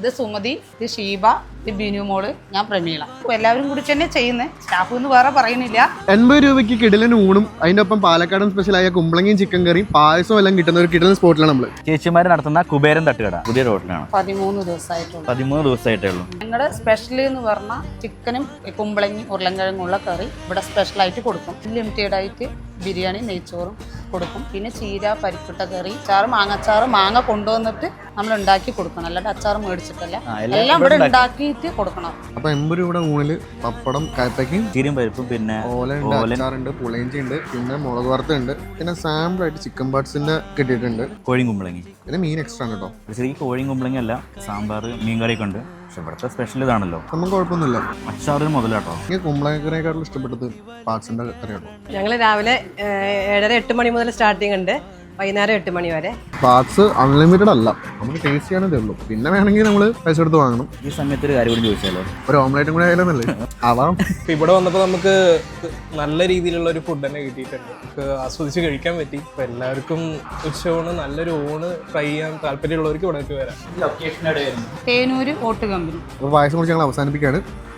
ഇത് സുമതി, ഇത് ഷീബ, ഇത് ബിനു മോള്, ഞാൻ പ്രമീള. എല്ലാവരും കൂടി തന്നെ ചെയ്യുന്നത്, സ്റ്റാഫ് എന്ന് വേറെ പറയുന്നില്ല. 80 രൂപയ്ക്ക് കിടിലൻ ഊണും അതിന്റെ ഒപ്പം പാലക്കാടൻ സ്പെഷ്യലായ കുമ്പളങ്ങിയും ചിക്കൻ കറിയും പായസവും എല്ലാം കിട്ടുന്ന ഒരു കിടിലൻ സ്പോട്ടിലാണ് നമ്മള്. ചേച്ചിമാര് നടത്തുന്ന കുബേരൻ തട്ടുകട പുതിയ റോഡിലാണ്. 13 ദിവസമായിട്ടുള്ളൂ. 13 ദിവസമായിട്ടേ ഉള്ളൂ. ഞങ്ങളുടെ സ്പെഷ്യൽ എന്ന് പറഞ്ഞാൽ ചിക്കനും കുമ്പളങ്ങി ഉരുളൻകിഴങ്ങുള്ള കറി ഇവിടെ സ്പെഷ്യലായിട്ട് കൊടുക്കും. ലിമിറ്റഡ് ആയിട്ട് ബിരിയാണി, നെയ്ച്ചോറും കൊടുക്കും. പിന്നെ ചീര, പരിപ്പിട്ട കറി, അച്ചാറ്, മാങ്ങച്ചാറ്, മാങ്ങ കൊണ്ടുവന്നിട്ട് നമ്മൾ ഉണ്ടാക്കി കൊടുക്കണം. അല്ലാണ്ട് അച്ചാറ് മേടിച്ചിട്ടല്ല, എല്ലാം ഇവിടെ ഉണ്ടാക്കിയിട്ട് കൊടുക്കണം. അപ്പൊ 80 രൂപയുടെ ഊണില് പപ്പടം, കയപ്പയ്ക്കും ചീരയും പരിപ്പും, പിന്നെ ഓലുണ്ട്, അച്ചാറുണ്ട്, പുളിയിഞ്ചി ഉണ്ട്, പിന്നെ മുളക് വറുത്തുണ്ട്, പിന്നെ സാമ്പിൾ ആയിട്ട് ചിക്കൻ പാർട്സിന്റെ കിട്ടിയിട്ടുണ്ട്. കോഴിയും കുമ്പളങ്ങി, പിന്നെ മീൻ എക്സ്ട്രാ കേട്ടോ. ശരിക്കും കോഴിയും കുമ്പളങ്ങി അല്ല, സാമ്പാർ, മീൻകറിയൊക്കെ ഉണ്ട്. പക്ഷെ ഇവിടുത്തെ സ്പെഷ്യൽ ഇതാണല്ലോ. നമുക്ക് കുഴപ്പമൊന്നുമില്ല. അച്ചാറിന് മുതലാട്ടോ. എനിക്ക് കുമ്പളങ്ങക്കറിയെക്കാളും ഇഷ്ടപ്പെട്ടത് പാർട്സിന്റെ കറിയാട്ടോ. ഞങ്ങൾ രാവിലെ 7:30-8 മണി മുതൽ സ്റ്റാർട്ടിങ് ഉണ്ട്, വൈകുന്നേരം 8 മണി വരെ. പാർട്സ് അൺലിമിറ്റഡ് അല്ല, നമുക്ക് ടേസ്റ്റ് ചെയ്യാനേ ഉള്ളൂ. പിന്നെ വേണമെങ്കിൽ നമ്മൾ പൈസ എടുത്ത് വാങ്ങണം. ഈ സമയത്ത് ഒരു കാര്യം കൂടി ചോദിച്ചാലോ, ഒരു ഓംലേറ്റും കൂടി ആയാലല്ലേ ആവാം. ഇവിടെ വന്നപ്പോൾ നമുക്ക് നല്ല രീതിയിലുള്ള ഒരു ഫുഡ് തന്നെ കിട്ടിയിട്ടുണ്ട്. നമുക്ക് ആസ്വദിച്ച് കഴിക്കാൻ പറ്റി. അപ്പോൾ എല്ലാവർക്കും ഉച്ചയൂണ്, നല്ലൊരു ഊണ് ട്രൈ ചെയ്യാൻ താല്പര്യമുള്ളവർക്ക് ഇവിടെ വരാം. തേനൂര് ഓട്ട് കമ്പനി. അപ്പോൾ പായസം കുറിച്ച് ഞങ്ങൾ അവസാനിപ്പിക്കുകയാണ്.